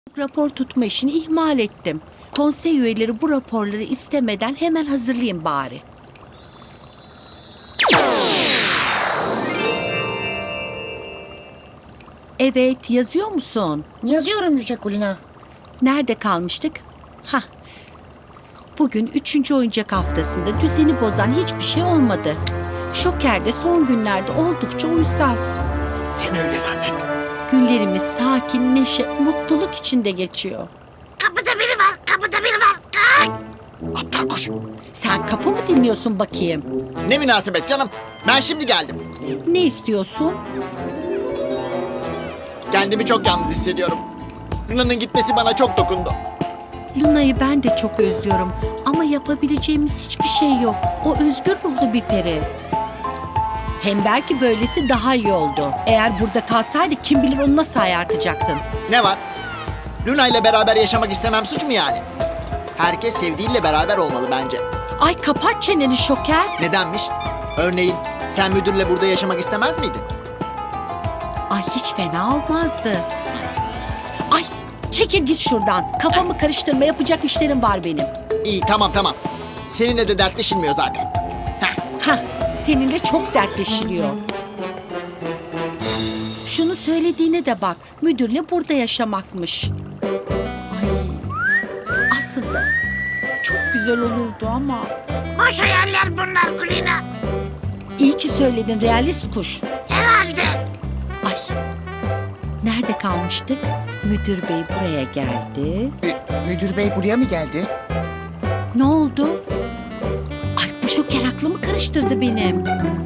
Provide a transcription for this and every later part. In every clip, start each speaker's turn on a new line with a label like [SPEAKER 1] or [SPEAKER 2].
[SPEAKER 1] Rapor tutma işini ihmal ettim. Konsey üyeleri bu raporları istemeden hemen hazırlayayım bari. Evet, yazıyor musun?
[SPEAKER 2] Yazıyorum Yüce Kulina.
[SPEAKER 1] Nerede kalmıştık? Hah. Bugün 3. oyuncak haftasında düzeni bozan hiçbir şey olmadı. Şoker de son günlerde oldukça uysal.
[SPEAKER 3] Sen öyle zannet.
[SPEAKER 1] Günlerimiz sakin, neşe, mutluluk içinde geçiyor.
[SPEAKER 2] Kapıda biri var, kapıda biri var. Kalk!
[SPEAKER 3] Aptal kuş.
[SPEAKER 1] Sen kapı mı dinliyorsun bakayım?
[SPEAKER 3] Ne münasebet canım. Ben şimdi geldim.
[SPEAKER 1] Ne istiyorsun?
[SPEAKER 3] Kendimi çok yalnız hissediyorum. Luna'nın gitmesi bana çok dokundu.
[SPEAKER 1] Luna'yı ben de çok özlüyorum ama yapabileceğimiz hiçbir şey yok. O özgür ruhlu bir peri. Hem belki böylesi daha iyi oldu. Eğer burada kalsaydı kim bilir onu nasıl ayartacaktın.
[SPEAKER 3] Ne var? Luna ile beraber yaşamak istemem suç mu yani? Herkes sevdiğiyle beraber olmalı bence.
[SPEAKER 1] Ay kapat çeneni Şoker.
[SPEAKER 3] Nedenmiş? Örneğin sen müdürle burada yaşamak istemez miydin?
[SPEAKER 1] Ay hiç fena olmazdı. Ay çekil git şuradan. Kafamı karıştırma, yapacak işlerim var benim.
[SPEAKER 3] İyi tamam. Seninle de dertleşilmiyor zaten.
[SPEAKER 1] Hah, seninle çok dertleşiliyor. Şunu söylediğine de bak. Müdürle burada yaşamakmış. Ay, aslında çok güzel olurdu ama.
[SPEAKER 2] Boş hayaller bunlar Kulina.
[SPEAKER 1] İyi ki söyledin realist kuş.
[SPEAKER 2] Herhalde.
[SPEAKER 1] Ay, nerede kalmıştık? Müdür bey buraya geldi.
[SPEAKER 4] Müdür bey buraya mı geldi?
[SPEAKER 1] Ne oldu? Ay bu Şoker aklımı karıştırdı benim.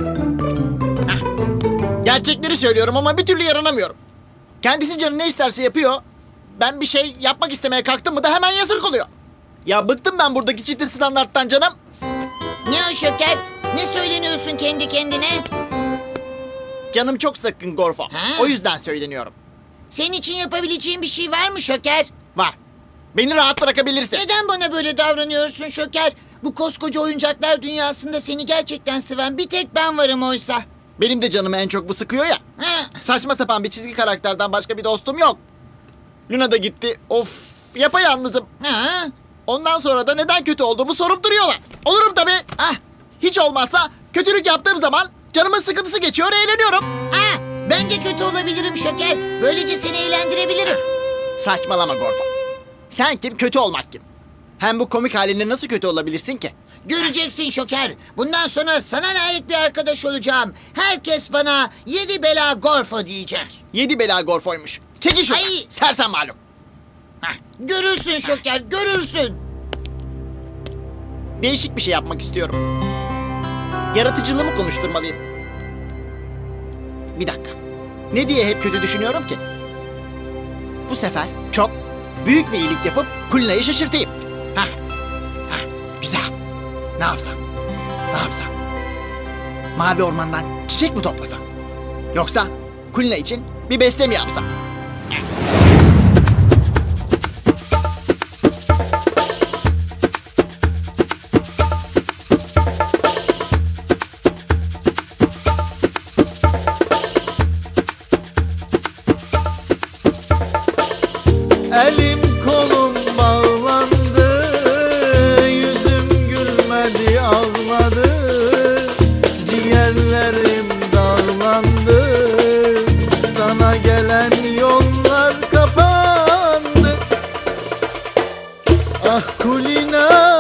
[SPEAKER 3] Gerçekleri söylüyorum ama bir türlü yaranamıyorum. Kendisi canı ne isterse yapıyor. Ben bir şey yapmak istemeye kalktım mı da hemen yasak oluyor. Ya bıktım ben buradaki çifte standarttan canım.
[SPEAKER 2] Ne o Şoker? Ne söyleniyorsun kendi kendine?
[SPEAKER 3] Canım çok sıkkın Gorfo.
[SPEAKER 2] Ha?
[SPEAKER 3] O yüzden söyleniyorum.
[SPEAKER 2] Senin için yapabileceğin bir şey var mı Şoker?
[SPEAKER 3] Var. Beni rahat bırakabilirsin.
[SPEAKER 2] Neden bana böyle davranıyorsun Şoker? Bu koskoca oyuncaklar dünyasında seni gerçekten seven bir tek ben varım oysa.
[SPEAKER 3] Benim de canımı en çok bu sıkıyor ya.
[SPEAKER 2] Ha?
[SPEAKER 3] Saçma sapan bir çizgi karakterden başka bir dostum yok. Luna da gitti. Of, yapayalnızım.
[SPEAKER 2] Ha?
[SPEAKER 3] Ondan sonra da neden kötü olduğumu sorup duruyorlar. Olurum tabii.
[SPEAKER 2] Ah!
[SPEAKER 3] Hiç olmazsa kötülük yaptığım zaman canımın sıkıntısı geçiyor, eğleniyorum.
[SPEAKER 2] Ah! Ben de kötü olabilirim Şoker. Böylece seni eğlendirebilirim.
[SPEAKER 3] Saçmalama Gorfo. Sen kim, kötü olmak kim? Hem bu komik halinle nasıl kötü olabilirsin ki?
[SPEAKER 2] Göreceksin Şoker. Bundan sonra sana layık bir arkadaş olacağım. Herkes bana 7 bela Gorfo diyecek.
[SPEAKER 3] 7 bela Gorfo'ymuş. Çekil şuradan.
[SPEAKER 2] Ay!
[SPEAKER 3] Sersem malum.
[SPEAKER 2] Görürsün Şoker, görürsün.
[SPEAKER 3] Değişik bir şey yapmak istiyorum. Yaratıcılığımı konuşturmalıyım. Bir dakika. Ne diye hep kötü düşünüyorum ki? Bu sefer çok büyük bir iyilik yapıp Kulina'yı şaşırtayım. Hah. Güzel. Ne yapsam? Mavi ormandan çiçek mi toplasam? Yoksa Kulina için bir beste mi yapsam?
[SPEAKER 5] Elim kolum bağlandı, yüzüm gülmedi ağladı, ciğerlerim dağlandı, sana gelen yollar kapandı. Ah Kulina,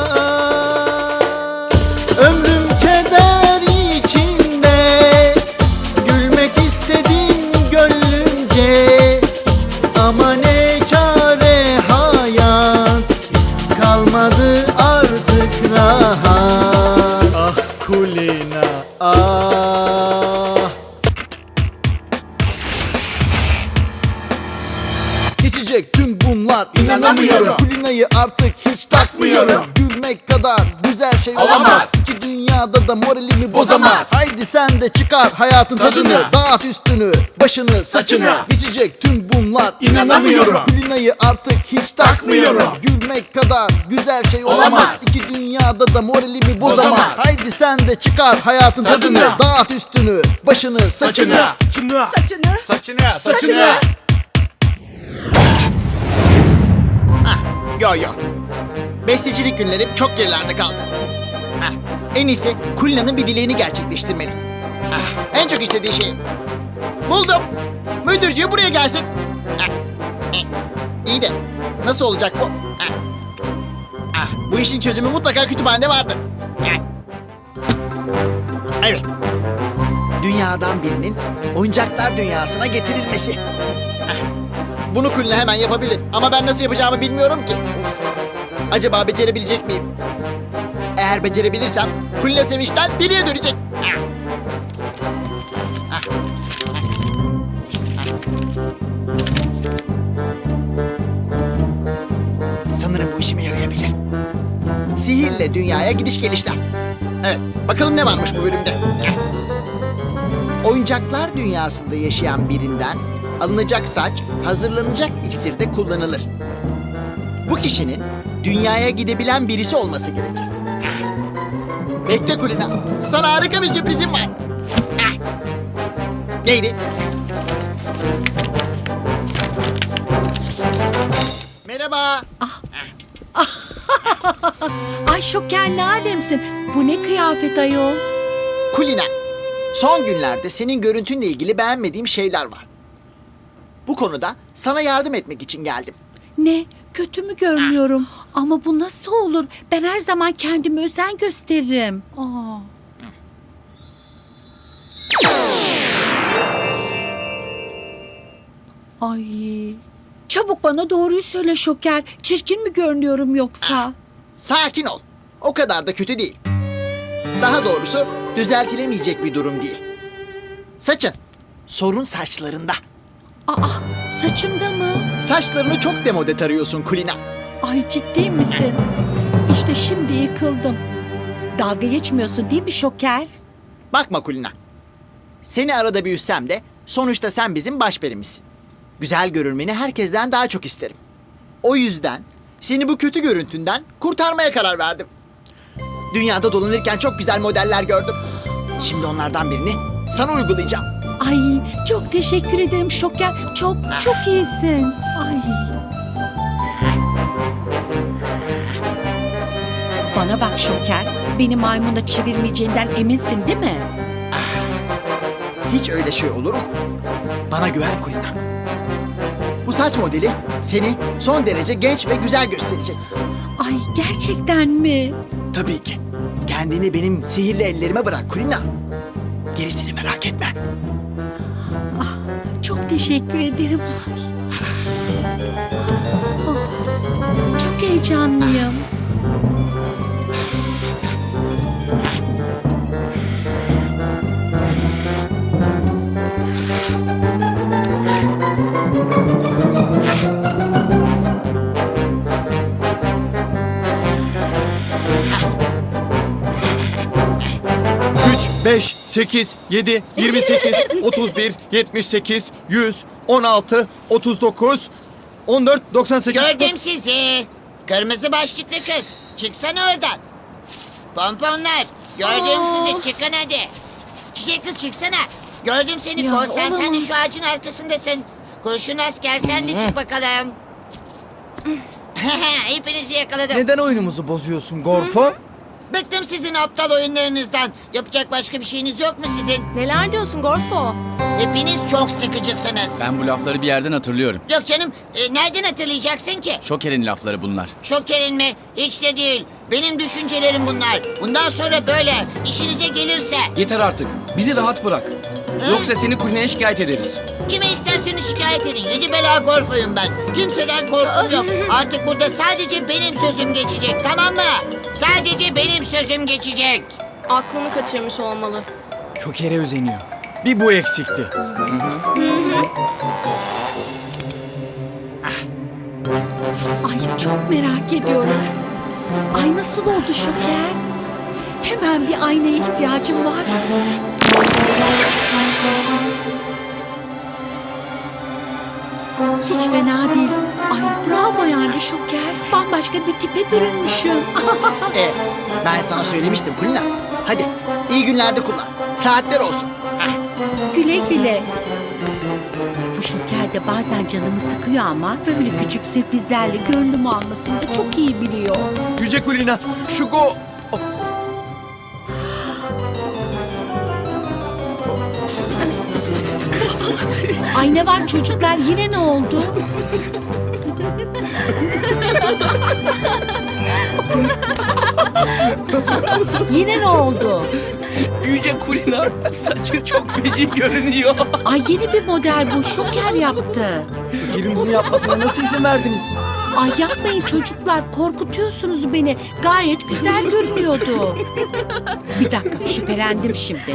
[SPEAKER 5] ömrüm keder içinde, gülmek istedim gönlümce, ama ne çare hayat, kalmadı artık rahat. Ah Kulina, ah. Geçecek tüm bunlar, inanamıyorum. Kulina'yı artık hiç takmıyorum. Gülmek kadar güzel şey olamaz. İki dünyada da moralimi bozamaz. Haydi sen de çıkar hayatın tadını. Dağıt üstünü, başını, saçını. Geçecek tüm bunlar, inanamıyorum. Kulina'yı artık hiç takmıyorum. Gülmek kadar güzel şey olamaz. İki dünyada da moralimi bozamaz. Haydi sen de çıkar hayatın tadını. Dağıt üstünü, başını, saçını.
[SPEAKER 1] Saçını.
[SPEAKER 5] Saçını.
[SPEAKER 3] Yo yo. Bestecilik günlerim çok gerilerde kaldı. Heh, en iyisi Kulina'nın bir dileğini gerçekleştirmeli. En çok istediği şey. Buldum. Müdürcüğü buraya gelsin. İyi de nasıl olacak bu? Bu işin çözümü mutlaka kütüphanede vardır. Evet. Dünyadan birinin oyuncaklar dünyasına getirilmesi. Bunu Kulina hemen yapabilir ama ben nasıl yapacağımı bilmiyorum ki. Acaba becerebilecek miyim? Eğer becerebilirsem Kulina sevinçten deliye dönecek. Sanırım bu işime yarayabilir. Sihirle dünyaya gidiş gelişler. Evet, bakalım ne varmış bu bölümde. Oyuncaklar dünyasında yaşayan birinden alınacak saç hazırlanacak iksirde kullanılır. Bu kişinin dünyaya gidebilen birisi olması gerekir. Bekle Kulina, sana harika bir sürprizim var. Neydi? Merhaba.
[SPEAKER 1] Ay Şoker ne alemsin. Bu ne kıyafet ayol?
[SPEAKER 3] Kulina, son günlerde senin görüntünle ilgili beğenmediğim şeyler var. Bu konuda sana yardım etmek için geldim.
[SPEAKER 1] Ne? Kötü mü görünüyorum? Ama bu nasıl olur? Ben her zaman kendime özen gösteririm. Aa. Ay. Çabuk bana doğruyu söyle Şoker. Çirkin mi görünüyorum yoksa?
[SPEAKER 3] Sakin ol. O kadar da kötü değil. Daha doğrusu düzeltilemeyecek bir durum değil. Saçın. Sorun saçlarında.
[SPEAKER 1] Aa, saçımda mı?
[SPEAKER 3] Saçlarını çok demode tarıyorsun Kulina.
[SPEAKER 1] Ay ciddi misin? İşte şimdi yıkıldım. Dalga geçmiyorsun değil mi Şoker?
[SPEAKER 3] Bakma Kulina. Seni arada bir üssem de sonuçta sen bizim başperimizsin. Güzel görünmeni herkesten daha çok isterim. O yüzden seni bu kötü görüntünden kurtarmaya karar verdim. Dünyada dolanırken çok güzel modeller gördüm. Şimdi onlardan birini sana uygulayacağım.
[SPEAKER 1] Ay çok teşekkür ederim Şoker. Çok iyisin. Ay. Bana bak Şoker. Beni maymuna çevirmeyeceğinden eminsin değil mi?
[SPEAKER 3] Hiç öyle şey olur mu? Bana güven Kulina. Bu saç modeli seni son derece genç ve güzel gösterecek.
[SPEAKER 1] Ay gerçekten mi?
[SPEAKER 3] Tabii ki. Kendini benim sihirli ellerime bırak Kulina. Gerisini merak etme.
[SPEAKER 1] Çok teşekkür ederim. Oh, çok heyecanlıyım.
[SPEAKER 6] Üç, 5, 8, 7, 28, 31, 78, 100, 16, 39, 14, 98...
[SPEAKER 2] Gördüm sizi. Kırmızı başlıklı kız. Çıksana oradan. Pomponlar. Gördüm sizi. Çıkın hadi. Çiçek kız çıksana. Gördüm seni
[SPEAKER 1] Ya,
[SPEAKER 2] korsan. Sen de
[SPEAKER 1] olamaz.
[SPEAKER 2] şu ağacın arkasındasın. Kurşun asker sen de çık bakalım. Hepinizi yakaladım.
[SPEAKER 6] Neden oyunumuzu bozuyorsun Gorfo?
[SPEAKER 2] Bıktım sizin aptal oyunlarınızdan. Yapacak başka bir şeyiniz yok mu sizin?
[SPEAKER 7] Neler diyorsun Gorfo?
[SPEAKER 2] Hepiniz çok sıkıcısınız.
[SPEAKER 8] Ben bu lafları bir yerden hatırlıyorum.
[SPEAKER 2] Yok canım. Nereden hatırlayacaksın ki?
[SPEAKER 8] Şoker'in lafları bunlar.
[SPEAKER 2] Şoker'in mi? Hiç de değil. Benim düşüncelerim bunlar. Bundan sonra böyle. İşinize gelirse.
[SPEAKER 9] Yeter artık. Bizi rahat bırak. Yoksa seni Kulina'ya şikayet ederiz.
[SPEAKER 2] Kime isterseniz şikayet edin. 7 bela Gorfo'yum ben. Kimseden korkum yok. Artık burada sadece benim sözüm geçecek. Tamam mı? Sadece benim sözüm geçecek.
[SPEAKER 7] Aklını kaçırmış olmalı.
[SPEAKER 6] Şoker'e özeniyor. Bir bu eksikti.
[SPEAKER 1] Ay çok merak ediyorum. Ay nasıl oldu Şoker? Hemen bir aynaya ihtiyacım var. Hiç fena değil. Ay bravo yani Şoker. Bambaşka bir tipe bürünmüşüm.
[SPEAKER 3] Ben sana söylemiştim Kulina. Hadi iyi günlerde kullan. Saatler olsun.
[SPEAKER 1] Güle güle. Bu Bu Şoker de bazen canımı sıkıyor ama böyle küçük sürprizlerle gönlümü almasını da çok iyi biliyor.
[SPEAKER 6] Yüce Kulina, şu go...
[SPEAKER 1] Ay ne var çocuklar, yine ne oldu? Yine ne oldu?
[SPEAKER 9] Yüce Kulina saçın çok feci görünüyor.
[SPEAKER 1] Ay yeni bir model bu, Şoker yaptı.
[SPEAKER 6] Şoker'in bunu yapmasına nasıl izin verdiniz?
[SPEAKER 1] Ay yapmayın çocuklar, korkutuyorsunuz beni. Gayet güzel görünüyordu. Bir dakika, şüphelendim şimdi.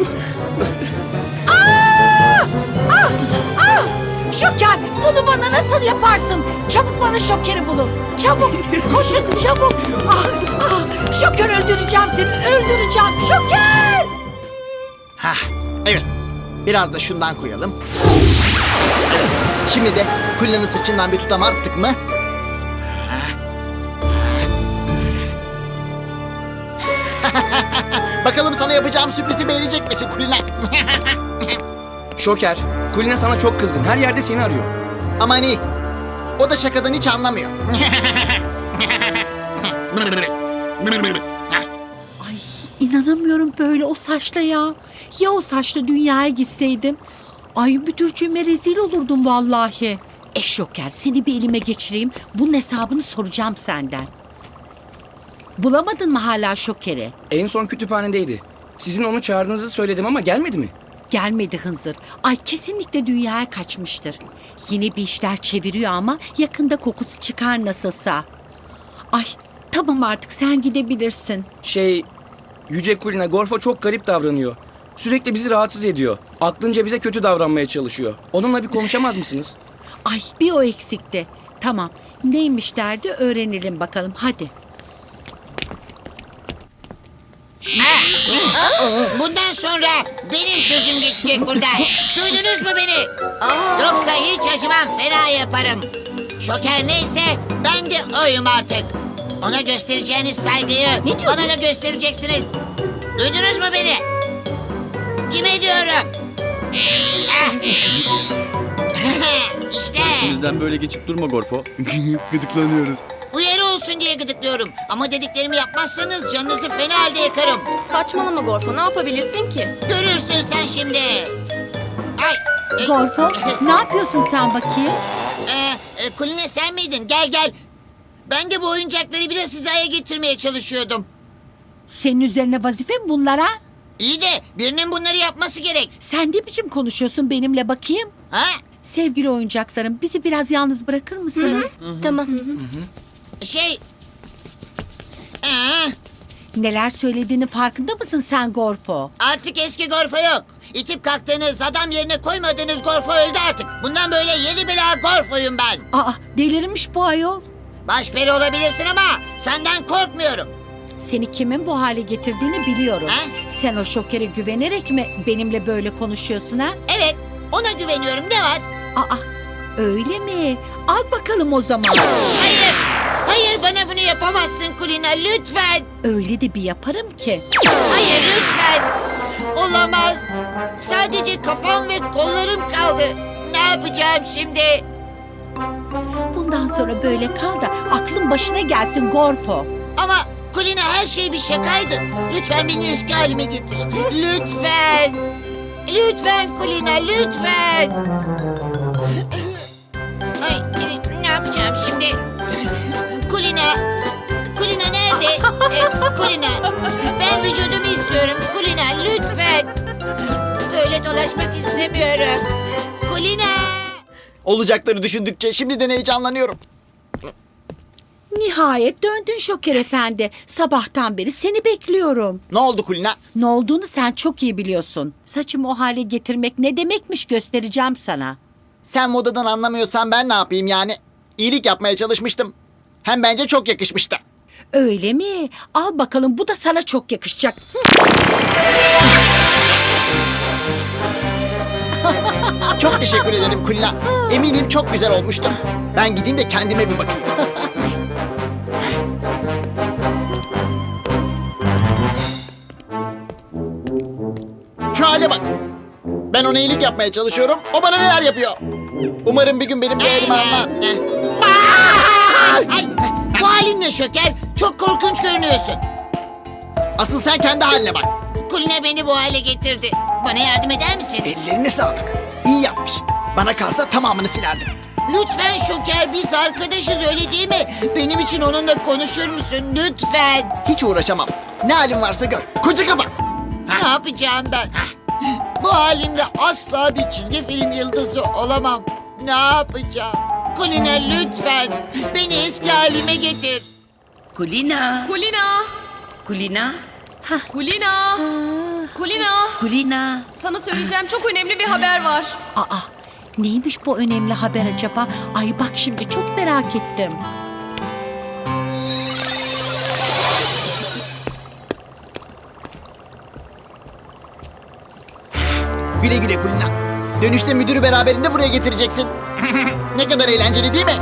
[SPEAKER 1] Şoker, bunu bana nasıl yaparsın? Çabuk bana Şoker'i bulun. Çabuk, koşun çabuk. Şoker, öldüreceğim seni, öldüreceğim. Şoker!
[SPEAKER 3] Hah, evet. Biraz da şundan koyalım. Evet. Şimdi de Kulina'nın saçından bir tutam attık mı? Bakalım sana yapacağım sürprizi beğenecek misin Kulina?
[SPEAKER 9] Şoker, Kulina sana çok kızgın. Her yerde seni arıyor.
[SPEAKER 3] Aman iyi. O da şakadan hiç anlamıyor.
[SPEAKER 1] Ay inanamıyorum böyle o saçla ya. Ya o saçla dünyaya gitseydim? Ay müdürcüğüme rezil olurdum vallahi. Şoker, seni bir elime geçireyim. Bunun hesabını soracağım senden. Bulamadın mı hala Şoker'i?
[SPEAKER 9] En son kütüphanedeydi. Sizin onu çağırdığınızı söyledim ama gelmedi mi?
[SPEAKER 1] Gelmedi hınzır. Ay kesinlikle dünyaya kaçmıştır. Yine bir işler çeviriyor ama yakında kokusu çıkar nasılsa. Ay tamam artık sen gidebilirsin.
[SPEAKER 9] Yüce Kulina, Gorfo çok garip davranıyor. Sürekli bizi rahatsız ediyor. Aklınca bize kötü davranmaya çalışıyor. Onunla bir konuşamaz mısınız?
[SPEAKER 1] Ay bir o eksikti. Tamam neymiş derdi öğrenelim bakalım hadi.
[SPEAKER 2] Bundan sonra benim sözüm geçecek burada. Duydunuz mu beni? Yoksa hiç acımam, fena yaparım. Şoker neyse ben de oyum artık. Ona göstereceğiniz saygıyı bana da göstereceksiniz. Duydunuz mu beni? Kime diyorum? İşte
[SPEAKER 8] İçimizden böyle geçip durma Gorfo. Gıdıklanıyoruz.
[SPEAKER 2] uyarı olsun diye gıdıklıyorum. Ama dediklerimi yapmazsanız canınızı fena halde yakarım.
[SPEAKER 7] Saçmalama Gorfo, ne yapabilirsin ki?
[SPEAKER 2] Görürsün sen şimdi. Ay.
[SPEAKER 1] Gorfo ne yapıyorsun sen bakayım?
[SPEAKER 2] Kulina sen miydin? Gel gel. Ben de bu oyuncakları biraz hizaya getirmeye çalışıyordum.
[SPEAKER 1] Senin üzerine vazife mi bunlara?
[SPEAKER 2] İyi de birinin bunları yapması gerek.
[SPEAKER 1] Sen ne biçim konuşuyorsun benimle bakayım?
[SPEAKER 2] Ha?
[SPEAKER 1] Sevgili oyuncaklarım bizi biraz yalnız bırakır mısınız?
[SPEAKER 7] Tamam.
[SPEAKER 2] Şey... Aa,
[SPEAKER 1] Neler söylediğinin farkında mısın sen Gorfo?
[SPEAKER 2] artık eski Gorfo yok. İtip kalktığınız, adam yerine koymadığınız Gorfo öldü artık. Bundan böyle yedi bela Gorfo'yum ben.
[SPEAKER 1] Aa delirmiş bu ayol.
[SPEAKER 2] Başperi olabilirsin ama senden korkmuyorum.
[SPEAKER 1] Seni kimin bu hale getirdiğini biliyorum.
[SPEAKER 2] Ha?
[SPEAKER 1] Sen o Şoker'e güvenerek mi benimle böyle konuşuyorsun ha?
[SPEAKER 2] Evet, ona güveniyorum. Ne var?
[SPEAKER 1] Aa öyle mi? Al bakalım o zaman.
[SPEAKER 2] Hayır, hayır bana bunu yapamazsın Kulina. Lütfen.
[SPEAKER 1] Öyle de bir yaparım ki.
[SPEAKER 2] Hayır lütfen. Olamaz. Sadece kafam ve kollarım kaldı. Ne yapacağım şimdi?
[SPEAKER 1] Bundan sonra böyle kal da aklın başına gelsin Gorfo.
[SPEAKER 2] Ama Kulina her şey bir şakaydı. Lütfen beni eski halime getirin. Lütfen. Lütfen Kulina lütfen. Ay ne yapacağım şimdi? Kulina. Kulina nerede? Kulina. Ben vücudumu istiyorum. Kulina lütfen. Böyle dolaşmak istemiyorum. Kulina.
[SPEAKER 3] Olacakları düşündükçe şimdiden heyecanlanıyorum.
[SPEAKER 1] Nihayet döndün Şoker Efendi. Sabahtan beri seni bekliyorum.
[SPEAKER 3] Ne oldu Kulina?
[SPEAKER 1] Ne olduğunu sen çok iyi biliyorsun. Saçımı o hale getirmek ne demekmiş göstereceğim sana.
[SPEAKER 3] Sen modadan anlamıyorsan ben ne yapayım yani? İyilik yapmaya çalışmıştım. Hem bence çok yakışmıştı.
[SPEAKER 1] Öyle mi? Al bakalım bu da sana çok yakışacak.
[SPEAKER 3] Çok teşekkür ederim Kulina. Eminim çok güzel olmuştur. Ben gideyim de kendime bir bakayım. Şu hale bak. Ben ona iyilik yapmaya çalışıyorum. O bana neler yapıyor? Umarım bir gün benim değerimi anlar.
[SPEAKER 2] Ay, bu halinle Şoker çok korkunç görünüyorsun.
[SPEAKER 3] Asıl sen kendi haline bak.
[SPEAKER 2] Kulina beni bu hale getirdi. Bana yardım eder misin?
[SPEAKER 3] Ellerine sağlık. İyi yapmış. Bana kalsa tamamını silerdim.
[SPEAKER 2] Lütfen Şoker, biz arkadaşız öyle değil mi? Benim için onunla konuşur musun lütfen?
[SPEAKER 3] Hiç uğraşamam. Ne halin varsa gör. Koca kafa.
[SPEAKER 2] Ne yapacağım ben? Bu halimle asla bir çizgi film yıldızı olamam. Ne yapacağım? Kulina lütfen beni eski halime getir.
[SPEAKER 1] Kulina.
[SPEAKER 7] Kulina!
[SPEAKER 1] Kulina.
[SPEAKER 7] Kulina! Kulina!
[SPEAKER 1] Kulina.
[SPEAKER 7] Sana söyleyeceğim çok önemli bir haber var.
[SPEAKER 1] Aa, neymiş bu önemli haber acaba? Ay bak şimdi çok merak ettim.
[SPEAKER 3] Güle güle Kulina. Dönüşte müdürü beraberinde buraya getireceksin. Ne kadar eğlenceli değil mi?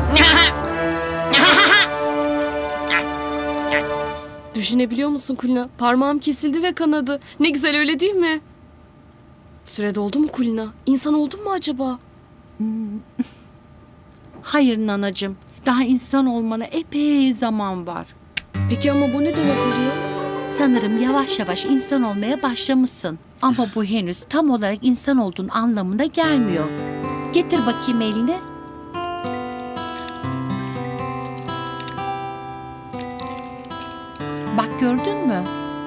[SPEAKER 7] Düşünebiliyor musun Kulina? Parmağım kesildi ve kanadı. Ne güzel öyle değil mi? Süre doldu mu Kulina? İnsan oldun mu acaba?
[SPEAKER 1] Hayır nanacığım. Daha insan olmana epey zaman var.
[SPEAKER 7] Peki ama bu ne demek oluyor?
[SPEAKER 1] Sanırım yavaş yavaş insan olmaya başlamışsın. Ama bu henüz tam olarak insan olduğun anlamına gelmiyor. Getir bakayım elini. Bak gördün mü?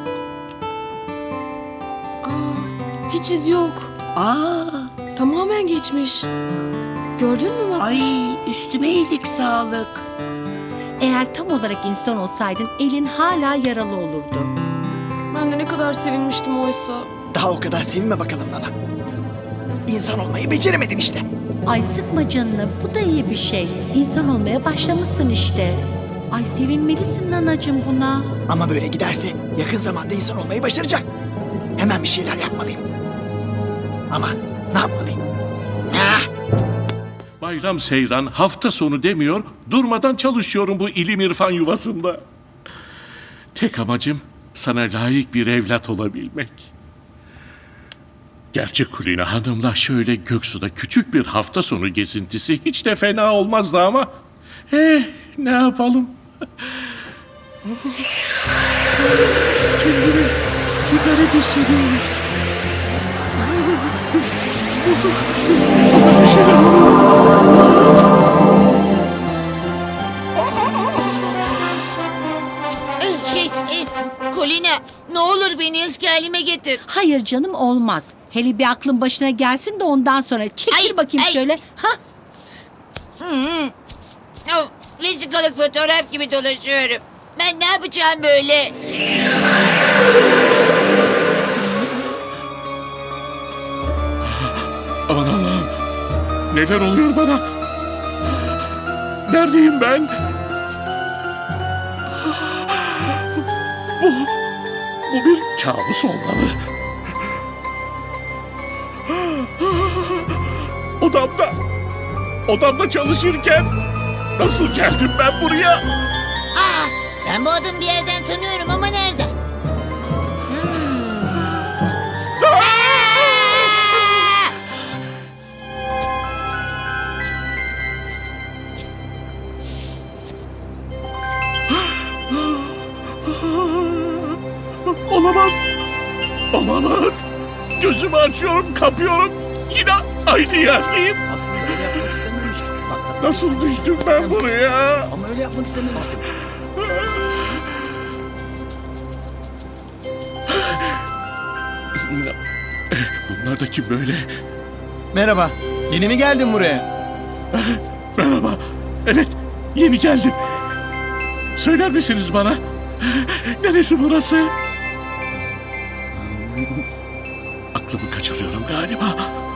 [SPEAKER 7] Aa, hiç iz yok.
[SPEAKER 1] Aa,
[SPEAKER 7] Tamamen geçmiş. Gördün mü bak?
[SPEAKER 1] ay üstüme iyilik sağlık. Eğer tam olarak insan olsaydın elin hala yaralı olurdu.
[SPEAKER 7] Ben de ne kadar sevinmiştim oysa.
[SPEAKER 3] Daha o kadar sevinme bakalım Nana. İnsan olmayı beceremedin işte.
[SPEAKER 1] Ay sıkma canını, bu da iyi bir şey. İnsan olmaya başlamışsın işte. Ay sevinmelisin nanacığım buna.
[SPEAKER 3] Ama böyle giderse yakın zamanda insan olmayı başaracak. Hemen bir şeyler yapmalıyım. Ama ne yapmalıyım?
[SPEAKER 10] Bayram seyran hafta sonu demiyor, durmadan çalışıyorum bu ilim irfan yuvasında. Tek amacım sana layık bir evlat olabilmek. Gerçi Kulina Hanım'la şöyle Göksu'da küçük bir hafta sonu gezintisi hiç de fena olmazdı ama... ne yapalım? Kendimi bir garip hissediyorum.
[SPEAKER 2] Kulina ne olur beni eski halime getir.
[SPEAKER 1] Hayır canım olmaz. Hele bir aklın başına gelsin de ondan sonra çekil
[SPEAKER 2] Ay,
[SPEAKER 1] bakayım
[SPEAKER 2] ay.
[SPEAKER 1] şöyle. Ha?
[SPEAKER 2] Vesikalık fotoğraf gibi dolaşıyorum. Ben ne yapacağım böyle?
[SPEAKER 10] Aman Allah'ım. Neler oluyor bana? Neredeyim ben? Bu bir kabus olmalı. Odamda çalışırken nasıl geldim ben buraya?
[SPEAKER 2] Aa, ben bu adamı bir yerden tanıyorum ama nereden? Aa!
[SPEAKER 10] Olamaz. Gözümü açıyorum, kapıyorum. Yine aynı yerdeyim.
[SPEAKER 6] Aslında öyle yapmak istememiştim. Bak,
[SPEAKER 10] Nasıl düştüm ben buraya?
[SPEAKER 6] ama öyle yapmak istememiştim.
[SPEAKER 10] Bunlar da kim böyle?
[SPEAKER 6] Merhaba. Yeni mi geldin buraya?
[SPEAKER 10] Merhaba. Evet, yeni geldim. Söyler misiniz bana? Neresi burası? Aklımı kaçırıyorum galiba.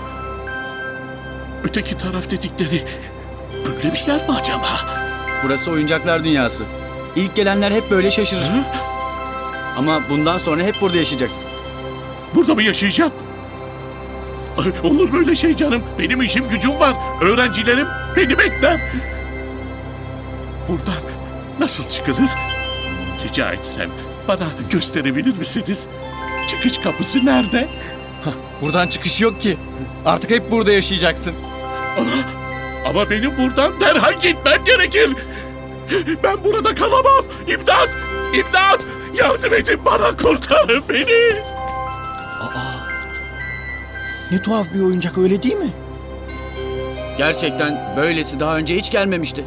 [SPEAKER 10] Öteki taraf dedikleri böyle bir yer mi acaba?
[SPEAKER 6] Burası oyuncaklar dünyası. İlk gelenler hep böyle şaşırır.
[SPEAKER 10] Hı?
[SPEAKER 6] Ama bundan sonra hep burada yaşayacaksın.
[SPEAKER 10] Burada mı yaşayacağım? Ay, olur böyle şey canım. Benim işim gücüm var. Öğrencilerim beni bekler. Buradan nasıl çıkılır? Rica etsem bana gösterebilir misiniz? Çıkış kapısı nerede?
[SPEAKER 6] Buradan çıkış yok ki. Artık hep burada yaşayacaksın.
[SPEAKER 10] Ana, Ama benim buradan derhal gitmem gerekir. Ben burada kalamam. İmdat! İmdat! Yardım edin bana, kurtarın beni.
[SPEAKER 3] Ne tuhaf bir oyuncak, öyle değil mi?
[SPEAKER 6] Gerçekten böylesi daha önce hiç gelmemişti.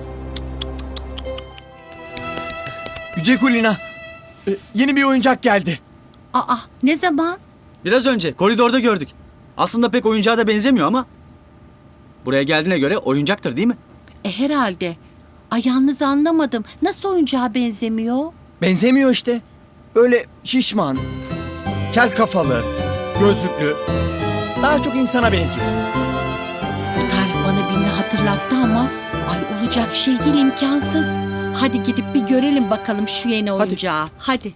[SPEAKER 5] Yüce Kulina, yeni bir oyuncak geldi.
[SPEAKER 1] Aa, ne zaman?
[SPEAKER 6] Biraz önce koridorda gördük. Aslında pek oyuncağa da benzemiyor ama. Buraya geldiğine göre oyuncaktır değil mi?
[SPEAKER 1] Herhalde. Ay yalnız anlamadım. Nasıl oyuncağa benzemiyor?
[SPEAKER 5] Benzemiyor işte. Öyle şişman, kel kafalı, gözlüklü. Daha çok insana benziyor.
[SPEAKER 1] Bu tarif bana birini hatırlattı ama ay olacak şey değil, imkansız. Hadi gidip bir görelim bakalım şu yeni oyuncağı. Hadi.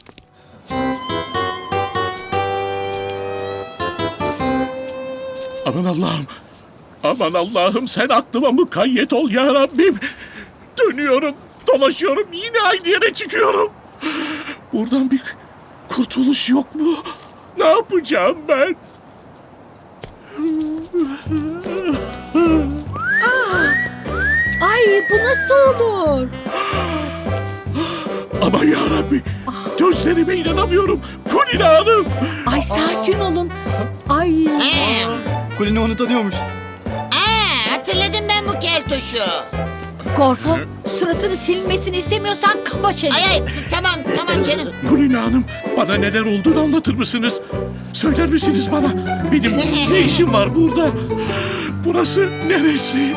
[SPEAKER 10] Aman Allah'ım. Aman Allah'ım, sen aklıma mukayyet ol ya Rabbim. Dönüyorum, dolaşıyorum, yine aynı yere çıkıyorum. Buradan bir kurtuluş yok mu? Ne yapacağım ben?
[SPEAKER 1] Ay bu nasıl olur?
[SPEAKER 10] Aman ya Rabbi, gözlerime inanamıyorum. Kulina Hanım.
[SPEAKER 1] Ay sakin olun. Ay.
[SPEAKER 6] Kulina onu tanıyormuş.
[SPEAKER 2] Hatırladım ben bu keltoşu.
[SPEAKER 1] Gorfo, suratını silinmesini istemiyorsan kapa çeneni.
[SPEAKER 2] Ay tamam canım.
[SPEAKER 10] Kulina Hanım, bana neler olduğunu anlatır mısınız? Söyler misiniz bana? Benim ne işim var burada? Burası neresi?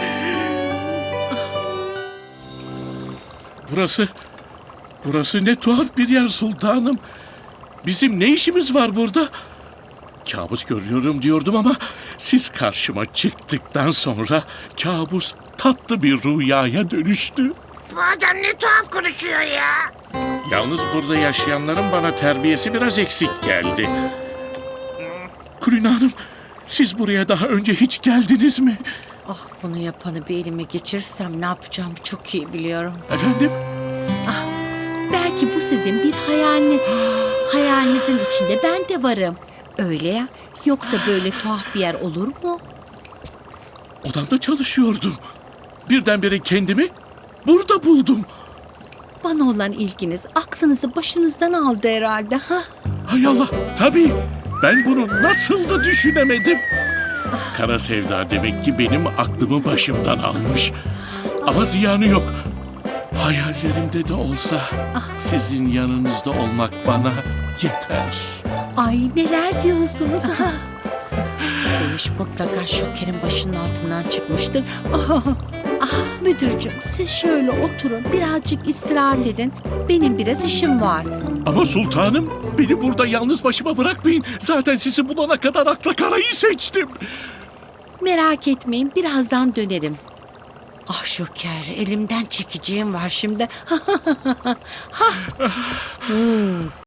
[SPEAKER 10] Burası ne tuhaf bir yer sultanım. Bizim ne işimiz var burada? Kabus görüyorum diyordum ama siz karşıma çıktıktan sonra kabus tatlı bir rüyaya dönüştü.
[SPEAKER 2] Bu adam ne tuhaf konuşuyor ya.
[SPEAKER 10] Yalnız burada yaşayanların bana terbiyesi biraz eksik geldi. Kulina Hanım, siz buraya daha önce hiç geldiniz mi?
[SPEAKER 1] Ah, bunu yapanı bir elime geçirirsem ne yapacağımı çok iyi biliyorum.
[SPEAKER 10] Efendim?
[SPEAKER 1] Belki bu sizin bir hayaliniz. Hayalinizin içinde ben de varım. Öyle ya. Yoksa böyle tuhaf bir yer olur mu?
[SPEAKER 10] Odamda çalışıyordum. Birdenbire kendimi burada buldum.
[SPEAKER 1] Bana olan ilginiz aklınızı başınızdan aldı herhalde. Ha?
[SPEAKER 10] Hay Allah, tabii. Ben bunu nasıl da düşünemedim. Kara sevda demek ki benim aklımı başımdan almış. Ama ziyanı yok. Hayallerimde de olsa sizin yanınızda olmak bana yeter.
[SPEAKER 1] Ay neler diyorsunuz ha? Bu iş mutlaka Şoker'in başının altından çıkmıştır. Müdürcüğüm siz şöyle oturun, birazcık istirahat edin. Benim biraz işim var.
[SPEAKER 10] Ama sultanım, beni burada yalnız başıma bırakmayın. Zaten sizi bulana kadar akla karayı seçtim.
[SPEAKER 1] Merak etmeyin, birazdan dönerim. Ah Şoker, elimden çekeceğim var şimdi.